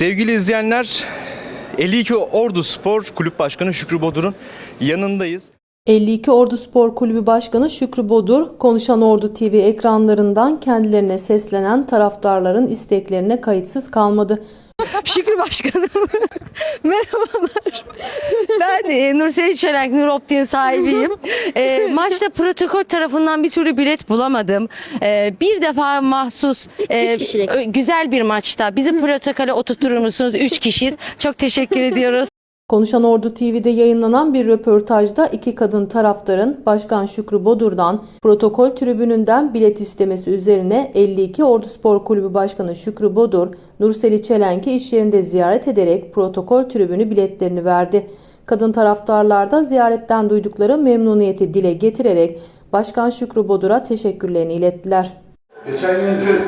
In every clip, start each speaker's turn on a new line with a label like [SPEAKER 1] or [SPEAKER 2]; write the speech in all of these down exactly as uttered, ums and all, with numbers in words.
[SPEAKER 1] Sevgili izleyenler, elli iki Ordu Spor Kulüp Başkanı Şükrü Bodur'un yanındayız.
[SPEAKER 2] elli iki Ordu Spor Kulübü Başkanı Şükrü Bodur, Konuşan Ordu T V ekranlarından kendilerine seslenen taraftarların isteklerine kayıtsız kalmadı.
[SPEAKER 3] Şükrü Başkanım. Merhabalar. Ben e, Nursel Çelenk, Nur Optik'in sahibiyim. E, maçta protokol tarafından bir türlü bilet bulamadım. E, bir defa mahsus e, ö- güzel bir maçta bizi protokole oturtur musunuz? Üç kişiyiz. Çok teşekkür ediyoruz.
[SPEAKER 2] Konuşan Ordu T V'de yayınlanan bir röportajda iki kadın taraftarın Başkan Şükrü Bodur'dan protokol tribününden bilet istemesi üzerine elli iki Ordu Spor Kulübü Başkanı Şükrü Bodur, Nursel Çelenk'i iş yerinde ziyaret ederek protokol tribünü biletlerini verdi. Kadın taraftarlar da ziyaretten duydukları memnuniyeti dile getirerek Başkan Şükrü Bodur'a teşekkürlerini ilettiler.
[SPEAKER 4] Geçen günkü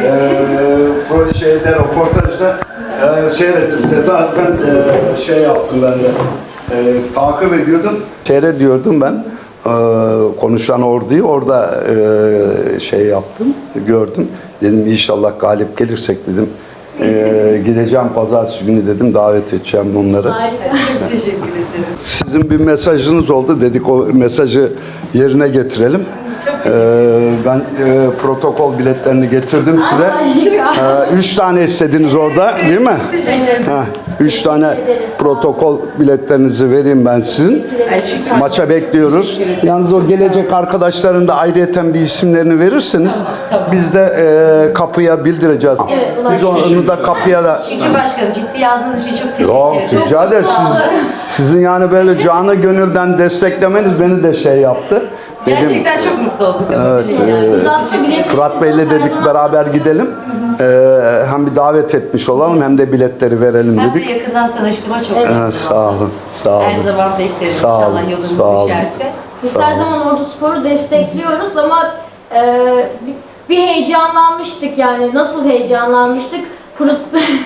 [SPEAKER 4] e, şeyde, röportajda e, seyrettim. Tesadüfen e, şey yaptım ben de. E, takip ediyordum. Seyrediyordum ben. E, konuşan orduyu orada e, şey yaptım, gördüm. Dedim inşallah galip gelirsek dedim. E, gideceğim pazartesi günü dedim, davet edeceğim onları.
[SPEAKER 3] Harika. Çok teşekkür ederiz.
[SPEAKER 4] Sizin bir mesajınız oldu, dedik o mesajı yerine getirelim. Ee, ben e, protokol biletlerini getirdim size. Ee, üç tane istediniz orada, değil mi? Ha, üç tane protokol biletlerinizi vereyim ben sizin. Maça bekliyoruz. Yalnız o gelecek arkadaşların da ayrıyeten bir isimlerini verirseniz biz de e, kapıya bildireceğiz. Biz onu da kapıya da...
[SPEAKER 3] Şükrü Başkanım, ciddiye aldığınız için çok teşekkür
[SPEAKER 4] Yok,
[SPEAKER 3] ederim.
[SPEAKER 4] rica ederim. Siz, sizin yani böyle canı gönülden desteklemeniz beni de şey yaptı. Dedim,
[SPEAKER 3] Gerçekten çok mutlu olduk.
[SPEAKER 4] evet, e, Fırat Bey'le dedik beraber gidelim. E, hem bir davet etmiş olalım hem de biletleri verelim
[SPEAKER 3] Ben de
[SPEAKER 4] dedik.
[SPEAKER 3] yakından tanıştığıma çok
[SPEAKER 4] Evet,
[SPEAKER 3] mutluyum.
[SPEAKER 4] sağ olun, sağ olun.
[SPEAKER 3] Her zaman beklerim
[SPEAKER 4] Sağ olun,
[SPEAKER 3] inşallah yolunuz
[SPEAKER 4] sağ olun.
[SPEAKER 3] düşerse.
[SPEAKER 5] Biz her zaman Ordu Spor'u destekliyoruz ama e, bir, bir heyecanlanmıştık yani. Nasıl heyecanlanmıştık? Prot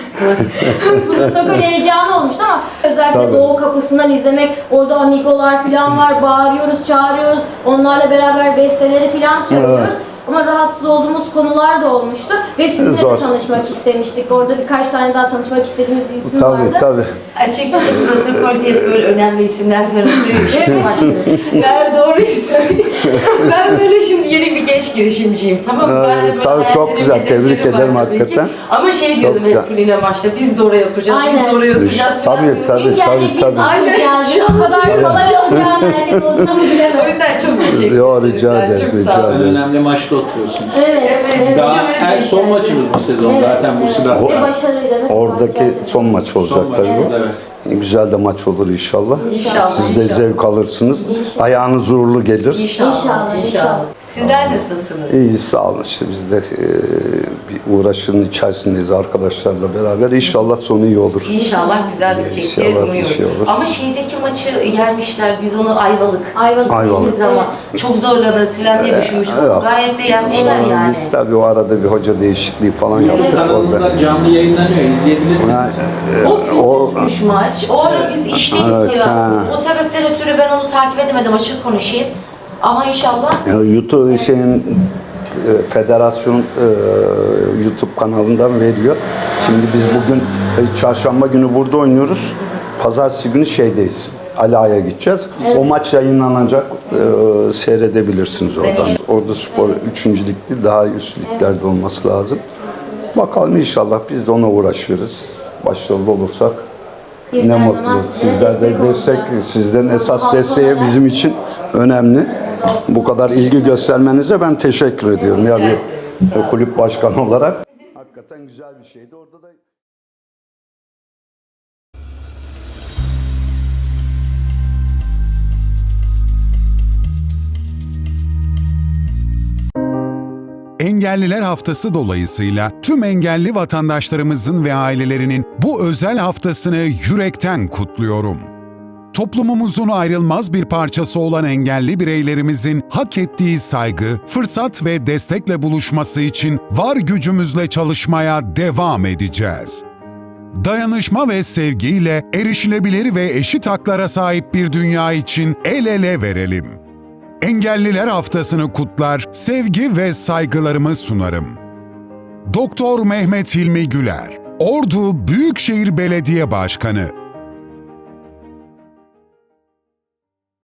[SPEAKER 5] Protokol heyecanı olmuştu ama özellikle
[SPEAKER 4] Tabii.
[SPEAKER 5] Doğu Kapısı'ndan izlemek, orada amigolar falan var, bağırıyoruz, çağırıyoruz, onlarla beraber besteleri falan söylüyoruz.
[SPEAKER 4] Evet.
[SPEAKER 5] Ama rahatsız olduğumuz konular da olmuştu ve sizinle
[SPEAKER 4] Zor.
[SPEAKER 5] de tanışmak istemiştik. Orada birkaç tane daha tanışmak istediğimiz bir isim
[SPEAKER 4] Tabii,
[SPEAKER 5] vardı.
[SPEAKER 4] tabii.
[SPEAKER 3] Açıkçası protokol diye böyle önemli isimler falan oturuyor. Şükrü Başkanım. Ben doğruyu söyleyeyim. Ben böyle şimdi yeni bir genç girişimciyim. Tamam mı? Ben de böyle
[SPEAKER 4] Tabii, çok
[SPEAKER 3] hayallerim,
[SPEAKER 4] güzel. Tebrik
[SPEAKER 3] hedeflerim var
[SPEAKER 4] ederim
[SPEAKER 3] tabii ki.
[SPEAKER 4] hakikaten.
[SPEAKER 3] Ama şey diyordum
[SPEAKER 4] güzel.
[SPEAKER 3] hep Kulina maçta, biz de oraya oturacağız, biz
[SPEAKER 5] Aynen.
[SPEAKER 3] de oraya oturacağız. falan
[SPEAKER 4] Tabii,
[SPEAKER 3] diyordum.
[SPEAKER 4] tabii.
[SPEAKER 5] Kim gelecek biz
[SPEAKER 4] tabii.
[SPEAKER 5] aynı geldi. O kadar kolay olacağını, herkes olacağını
[SPEAKER 3] O
[SPEAKER 5] bilemez.
[SPEAKER 3] yüzden çok teşekkür
[SPEAKER 4] Yo,
[SPEAKER 3] ederim.
[SPEAKER 4] rica
[SPEAKER 3] Ben
[SPEAKER 4] ederiz,
[SPEAKER 3] çok
[SPEAKER 4] rica
[SPEAKER 3] sağ olun.
[SPEAKER 4] ederiz.
[SPEAKER 6] En önemli maçta oturuyorsunuz.
[SPEAKER 5] Evet. evet.
[SPEAKER 6] Daha
[SPEAKER 3] öyle
[SPEAKER 6] en
[SPEAKER 3] denk
[SPEAKER 6] son
[SPEAKER 3] geldi.
[SPEAKER 6] maçımız bu sezon
[SPEAKER 5] Evet,
[SPEAKER 6] zaten bu
[SPEAKER 5] evet.
[SPEAKER 6] sebeple.
[SPEAKER 5] Ve başarıyla da
[SPEAKER 4] Oradaki
[SPEAKER 5] kapatacağız.
[SPEAKER 4] son maç olacak
[SPEAKER 6] Son
[SPEAKER 4] tabii
[SPEAKER 6] maçımız,
[SPEAKER 4] bu.
[SPEAKER 6] evet.
[SPEAKER 4] Güzel de maç olur inşallah.
[SPEAKER 3] İnşallah,
[SPEAKER 4] Siz de
[SPEAKER 3] inşallah.
[SPEAKER 4] zevk alırsınız.
[SPEAKER 5] İnşallah.
[SPEAKER 4] Ayağınız uğurlu gelir.
[SPEAKER 3] İnşallah,
[SPEAKER 5] İnşallah,
[SPEAKER 3] inşallah.
[SPEAKER 5] inşallah.
[SPEAKER 3] Sizler nasılsınız?
[SPEAKER 4] İyi, sağ olun. İşte biz de e, bir uğraşın içerisindeyiz arkadaşlarla beraber. İnşallah sonu iyi olur.
[SPEAKER 3] İnşallah güzel bitecek diye
[SPEAKER 4] İnşallah bir
[SPEAKER 3] umuyoruz.
[SPEAKER 4] şey olur.
[SPEAKER 3] Ama şeydeki maçı gelmişler, biz onu Ayvalık.
[SPEAKER 5] Ayvalık.
[SPEAKER 4] Ayvalık.
[SPEAKER 3] Biz ama çok zorlanırız falan diye düşünmüştük.
[SPEAKER 4] yok.
[SPEAKER 3] Gayet de yenmişler yani.
[SPEAKER 4] Biz tabii o arada bir hoca değişikliği falan yaptık orada.
[SPEAKER 6] Kanalında canlı yayınlanıyor, izleyebilirsiniz.
[SPEAKER 4] Yani, e,
[SPEAKER 3] O
[SPEAKER 4] o
[SPEAKER 3] gündüzmüş maç. O ara biz işteydik
[SPEAKER 4] Evet,
[SPEAKER 3] Seval.
[SPEAKER 4] ha.
[SPEAKER 3] O sebepten ötürü ben onu takip edemedim, açık konuşayım. Ama inşallah
[SPEAKER 4] e, YouTube şeyin e, federasyon e, YouTube kanalından veriyor. Şimdi biz bugün e, çarşamba günü burada oynuyoruz. Pazartesi günü şeydeyiz. Ala'ya gideceğiz. O maç yayınlanacak. E, seyredebilirsiniz oradan. Ordu Spor üçüncü ligde daha üst liglerde olması lazım. Bakalım inşallah biz de ona uğraşıyoruz. Başarılı olursak
[SPEAKER 5] Biz
[SPEAKER 4] ne
[SPEAKER 5] her
[SPEAKER 4] mutlu.
[SPEAKER 5] zaman size
[SPEAKER 4] Sizler de
[SPEAKER 5] destek
[SPEAKER 4] destek,
[SPEAKER 5] olacağız.
[SPEAKER 4] sizlerin esas
[SPEAKER 5] Halk
[SPEAKER 4] desteği
[SPEAKER 5] olarak-
[SPEAKER 4] bizim için önemli. Bu kadar ilgi göstermenize ben teşekkür ediyorum. Ya bir kulüp başkanı olarak. Hakikaten güzel bir şeydi. Orada da
[SPEAKER 7] Engelliler Haftası dolayısıyla tüm engelli vatandaşlarımızın ve ailelerinin bu özel haftasını yürekten kutluyorum. Toplumumuzun ayrılmaz bir parçası olan engelli bireylerimizin hak ettiği saygı, fırsat ve destekle buluşması için var gücümüzle çalışmaya devam edeceğiz. Dayanışma ve sevgiyle erişilebilir ve eşit haklara sahip bir dünya için el ele verelim. Engelliler Haftası'nı kutlar, sevgi ve saygılarımı sunarım. Doktor Mehmet Hilmi Güler Ordu Büyükşehir Belediye Başkanı